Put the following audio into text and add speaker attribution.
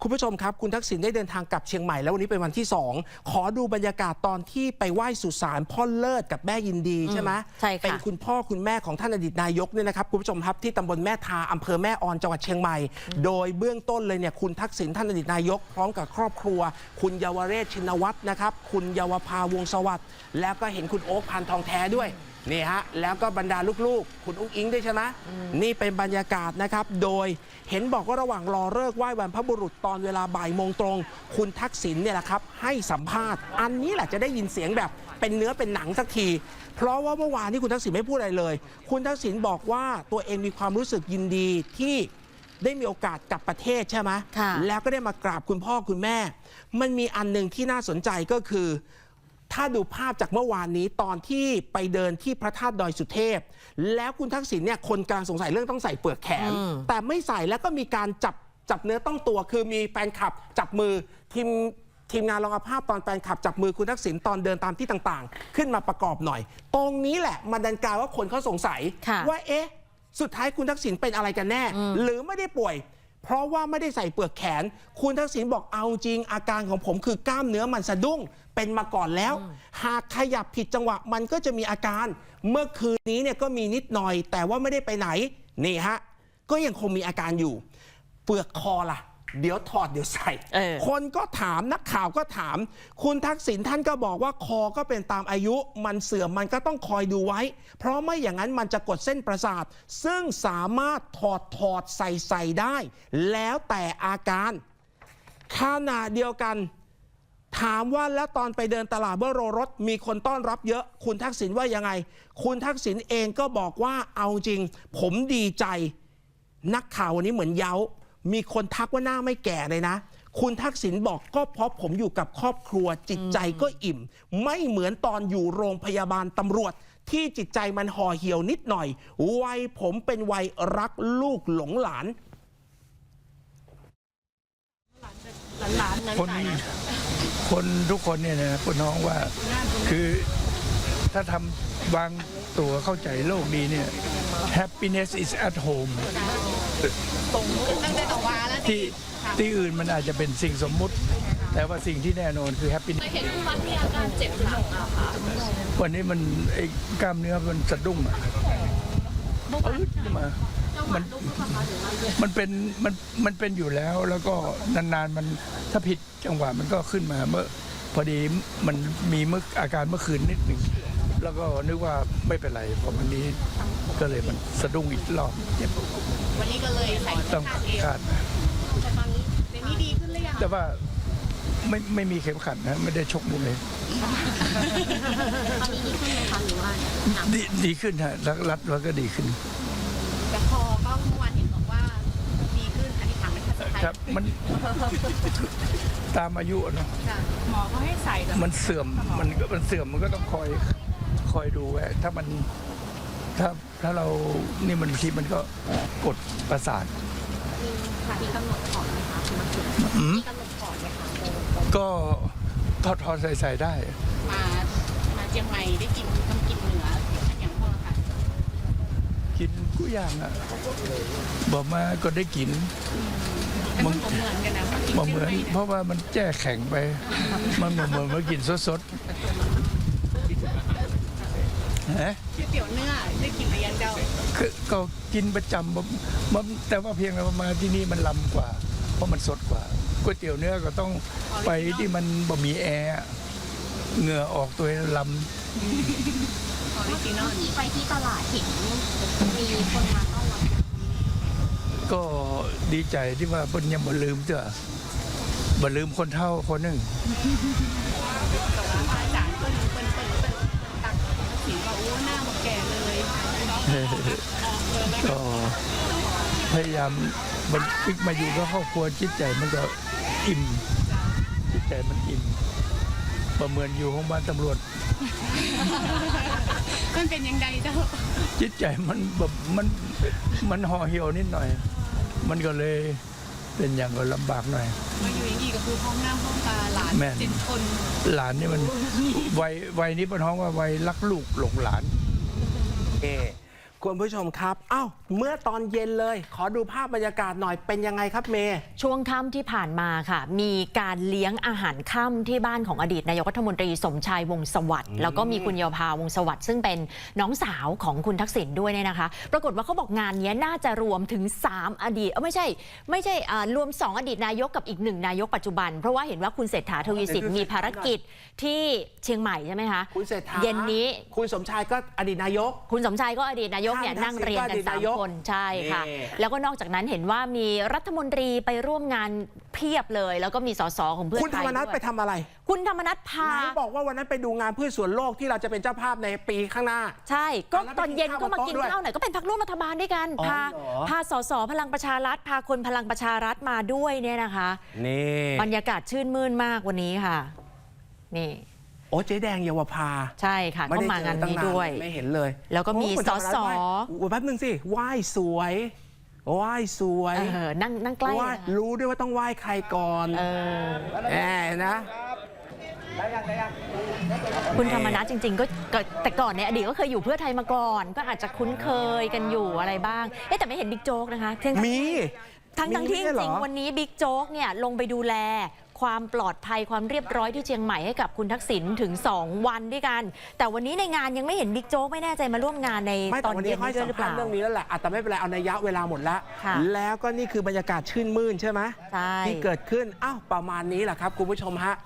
Speaker 1: คุณผู้ชมครับคุณทักษิณได้เดินทางกลับเชียงใหม่แล้ววันนี้เป็นวันที่2ขอดูบรรยากาศตอนที่ไปไหว้สุสานพ่อเลิศกับแม่ยินดีใช่ไหม
Speaker 2: ใช่ค่ะ
Speaker 1: เป็นคุณพ่อคุณแม่ของท่านอดีตนายกเนี่ยนะครับคุณผู้ชมครับที่ตำบลแม่ทาอำเภอแม่ออนจังหวัดเชียงใหม่โดยเบื้องต้นเลยเนี่ยคุณทักษิณท่านอดีตนายกพร้อมกับครอบครัวคุณเยาวเรศชินวัตรนะครับคุณเยาวภาวงศ์สวัสดิ์แล้วก็เห็นคุณโอ๊คพันทองแท้ด้วยนี่ฮะแล้วก็บรรดาลูกๆคุณอุ้งอิงด้วยใช่ไหมนี่เป็นบรรยากาศนะครับโดยเห็นบอกว่าระหว่างรอเลิกไหว้บรรพบุรุษตอนเวลาบ่ายโมงตรงคุณทักษิณเนี่ยแหละครับให้สัมภาษณ์อันนี้แหละจะได้ยินเสียงแบบเป็นเนื้อเป็นหนังสักทีเพราะว่าเมื่อวานนี้คุณทักษิณไม่พูดอะไรเลยคุณทักษิณบอกว่าตัวเองมีความรู้สึกยินดีที่ได้มีโอกาสกลับประเทศใช่ไหมแล้วก็ได้มากราบคุณพ่อคุณแม่มันมีอันหนึ่งที่น่าสนใจก็คือถ้าดูภาพจากเมื่อวานนี้ตอนที่ไปเดินที่พระธาตุดอยสุเทพแล้วคุณทักษิณเนี่ยคนกลางสงสัยเรื่องต้องใส่เปลือกแขนแต่ไม่ใส่แล้วก็มีการจับเนื้อต้องตัวคือมีแฟนคลับจับมือทีมงานลองเอาภาพตอนแฟนคลับจับมือคุณทักษิณตอนเดินตามที่ต่างๆขึ้นมาประกอบหน่อยตรงนี้แหละมันดันกลายว่าคนเขาสงสัยว่าเอ๊ะสุดท้ายคุณทักษิณเป็นอะไรกันแน่หรือไม่ได้ป่วยเพราะว่าไม่ได้ใส่เปลือกแขนคุณทักษิณบอกเอาจริงอาการของผมคือกล้ามเนื้อมันสะดุ้งเป็นมาก่อนแล้วหากขยับผิดจังหวะมันก็จะมีอาการเมื่อคืนนี้เนี่ยก็มีนิดหน่อยแต่ว่าไม่ได้ไปไหนนี่ฮะก็ยังคงมีอาการอยู่เปลือกคอล่ะเดี๋ยวถอดเดี๋ยวใส่คนก็ถามนักข่าวก็ถามคุณทักษิณท่านก็บอกว่าคอก็เป็นตามอายุมันเสื่อมมันก็ต้องคอยดูไว้เพราะไม่อย่างนั้นมันจะกดเส้นประสาทซึ่งสามารถถอดใส่ได้แล้วแต่อาการขณะเดียวกันถามว่าแล้วตอนไปเดินตลาดเบอร์โรรถมีคนต้อนรับเยอะคุณทักษิณว่ายังไงคุณทักษิณเองก็บอกว่าเอาจริงผมดีใจนักข่าววันนี้เหมือนเย้ามีคนทักว่าหน้าไม่แก่เลยนะคุณทักษิณบอกก็เพราะผมอยู่กับครอบครัวจิตใจก็อิ่มไม่เหมือนตอนอยู่โรงพยาบาลตำรวจที่จิตใจมันห่อเหี่ยวนิดหน่อยวัยผมเป็นวัยรักลูกหลงหลาน
Speaker 3: คนทุกคนเนี่ยนะคุณน้องว่าคือถ้าทำวางตัวเข้าใจโลกนี้เนี่ย happiness is at home ที่อื่นมันอาจจะเป็นสิ่งสมมุติแต่ว่าสิ่งที่แน่นอนคือ happiness
Speaker 4: เห็นคุณวัดมีอาการเจ็บหลังอะค่ะ
Speaker 3: วันนี้มันไอ้กล้ามเนื้อมันสะดุ้งอ่ะมันเป็นอยู่แล้วแล้วก็นานๆมันถ้าผิดจังหวะมันก็ขึ้นมาเมื่อพอดีมันมีอาการเมื่อคืนนิดหนึ่งแล้วก็นึกว่าไม่เป็นไรพอวันนี้ก็เลยมันสะดุ้งอีกรอบเจ็บ
Speaker 4: วันนี้ก็เลยใส่
Speaker 3: ต้องคาด
Speaker 4: แต่ตอนนี้เดี๋ยวนี้ดีขึ้นหรือยัง
Speaker 3: แต่ว่าไม่มีเข็มขัดนะไม่ได้ชกมวย
Speaker 4: ตอนนี้ดีขึ้นไหมคะหรือว่า
Speaker 3: ดีขึ้นฮะรัดแล้วก็ดีขึ้น
Speaker 4: แต่คอก็เมื่อวานเห็นบอกว่าดีขึ้นอันนี้ถามเป็นภาษาไทย
Speaker 3: ครับมันตามอายุเนาะ
Speaker 4: หมอเขาให้ใส่
Speaker 3: มันเสื่อมมันก็ต้องคอยดูไว้ถ้าเรานี่มันบางทีมันก็กดประสาท
Speaker 4: มีกำหนดถอดไหมคะมีกำหนดถอดไหมคะ
Speaker 3: ก็ถอดใส่ได้
Speaker 4: มาเชียงใหม่ได้กินต้องกินเหนืออย่างพ่อค่ะ
Speaker 3: กินกุอย่างอ่ะบอกมาก็ได้กิน
Speaker 4: มันเหมือนกันนะ
Speaker 3: เหมือนเพราะว่ามันแจ้แข็งไปมันเหมือนมากินสด
Speaker 4: เตี๋ยวเนื้อได้กินอะไรยังเจ้า
Speaker 3: ก็กินประจำแต่ว่าเพียงแต่มาที่นี่มันล้ำกว่าเพราะมันสดกว่าก๋วยเตี๋ยวเนื้อก็ต้องไปที่มันบะหมี่แอร์เหงื่อออกตัวล้ำ
Speaker 4: ไปที่ตลาดเห็นมีคนมาต้อนรับ
Speaker 3: ก็ดีใจที่ว่าเพิ่นยังบ่ลืมเจ้ะบ่ลืมคนเฒ่าคนหนึ่งก็พยายามมันปิกมาอยู่กับครอบครัวจิตใจมันก็อิ่มจิตใจมันอิ่มประเมินอยู่ของบ้านตำรวจ
Speaker 4: มันเป็นยังไงเจ้า
Speaker 3: จิตใจมันแบบมันห่อเหี่ยวนิดหน่อยมันก็เลยเป็นอย่างก็ลำบากหน่อย
Speaker 4: มาอยู่อย่างนี้ก็คือห้องหน้าห้องตาหลาน7 คน
Speaker 3: หลานนี่มันวัยนี้เป็นห้องว่าวัยรักลูกหลงหลาน
Speaker 1: คุณผู้ชมครับอ้าวเมื่อตอนเย็นเลย ขอดูภาพบรรยากาศหน่อยเป็นยังไงครับเมย์
Speaker 2: ช่วงค่ำที่ผ่านมาค่ะ มีการเลี้ยงอาหารค่ำที่บ้านของอดีตนายกรัฐมนตรีสมชายวงศ์สวัสดิ์แล้วก็มีคุณเยาวภาวงศ์สวัสดิ์ซึ่งเป็นน้องสาวของคุณทักษิณด้วยเนี่ยนะคะ ปรากฏว่าเขาบอกงานนี้น่าจะรวมถึง3อดีตไม่ใช่รวม2อดีตนายกกับอีก1นายกปัจจุบันเพราะว่าเห็นว่าคุณเศรษฐาทวีสินมีภารกิจที่เชียงใหม่ใช่ไหมคะ
Speaker 1: คุณเศรษฐา
Speaker 2: เย็นนี้
Speaker 1: คุณสมชายก็อดีตนายก
Speaker 2: คุณสมชายก็อดีตนายกเนี่ย
Speaker 1: ท่าน
Speaker 2: นั่งเรียงกัน
Speaker 1: ทักษิณก็อดีตนายก
Speaker 2: 3 คนใช่ค่ะ
Speaker 1: นี่
Speaker 2: แล้วก็นอกจากนั้นเห็นว่ามีรัฐมนตรีไปร่วมงานเพียบเลย แล้วก็มีสสของเพื่อ
Speaker 1: คุณ
Speaker 2: ไท
Speaker 1: ธร
Speaker 2: ย
Speaker 1: รมนัฐ
Speaker 2: ด้ว
Speaker 1: ไป
Speaker 2: ย
Speaker 1: ทำอะไร
Speaker 2: คุณธรรมนัฐพา
Speaker 1: ไหนบอกว่าวันนั้นไปดูงานเพื่อส่วนโลกที่เราจะเป็นเจ้าภาพในปีข้างหน้า
Speaker 2: ใช่ ก็
Speaker 1: แล้วไป
Speaker 2: ตอนเย็นก็มา
Speaker 1: กิ
Speaker 2: กิ
Speaker 1: น
Speaker 2: น
Speaker 1: ข้าว
Speaker 2: ข้าวหน่อยก็เป็นพรรคร่วมรัฐบาลด้วยกัน
Speaker 1: อ๋อ
Speaker 2: พา
Speaker 1: เหรอ
Speaker 2: พาสสพลังประชารัฐพาคนพลังประชารัฐมาด้วยเนี่ยนะคะ
Speaker 1: นี่
Speaker 2: บรรยากาศชื่นมื่นมากวันนี้ค่ะนี่
Speaker 1: โอ้เจ๊แดงเยาวภา
Speaker 2: ใช่ค่ะ
Speaker 1: ไม่
Speaker 2: ก็
Speaker 1: ได้
Speaker 2: มางาน
Speaker 1: เจอตั้
Speaker 2: นี้
Speaker 1: ง
Speaker 2: ด้วย
Speaker 1: ไม่เห็นเลย
Speaker 2: แล้วก็มี
Speaker 1: โอ้คุณธรรนัฐ
Speaker 2: สส
Speaker 1: ไหว้โอ้แป๊บนึงสิไหว้สวยไหว้สวย
Speaker 2: นั่งใกล้
Speaker 1: ไหว้
Speaker 2: นะคะ
Speaker 1: รู้ด้วยว่าต้องไหว้ใครก่อน
Speaker 2: เออ
Speaker 1: แหมนะ
Speaker 2: คุณธรรมนัฐจริงๆก็แต่ก่อนในอดีตก็เคยอยู่เพื่อไทยมาก่อน ก็อาจจะคุ้นเคยกันอยู่อะไรบ้างแต่ไม่เห็นบิ๊กโจ๊กนะคะทั้ง
Speaker 1: มี
Speaker 2: ที่จ
Speaker 1: ไม่ใช่เหร
Speaker 2: ริ
Speaker 1: อ
Speaker 2: งๆวันนี้บิ๊กโจ๊กเนี่ยลงไปดูแลความปลอดภัยความเรียบร้อยที่เชียงใหม่ให้กับคุณทักษิณถึง 2 วันด้วยกัน แต่วันนี้ในงานยังไม่เห็นบิ๊กโจ๊กไม่แน่ใจมาร่วมงานใน
Speaker 1: ไม่
Speaker 2: ต
Speaker 1: แต่
Speaker 2: อน
Speaker 1: วัน
Speaker 2: เย็
Speaker 1: นี้
Speaker 2: น
Speaker 1: ค่อย
Speaker 2: นี้ด้ว
Speaker 1: สั
Speaker 2: ย
Speaker 1: ม
Speaker 2: หรือเป
Speaker 1: ภาษ
Speaker 2: ล่า
Speaker 1: ณ์เรื่องนี้แล้วแหละแต่ไม่เป็นไรเอานัยยะเวลาหมดแล้ว
Speaker 2: ค่ะ
Speaker 1: แล้วก็นี่คือบรรยากาศชื่นมื่นใช่ไหม
Speaker 2: ใช่
Speaker 1: ที่เกิดขึ้นอ้าวประมาณนี้แหละครับคุณผู้ชมฮะ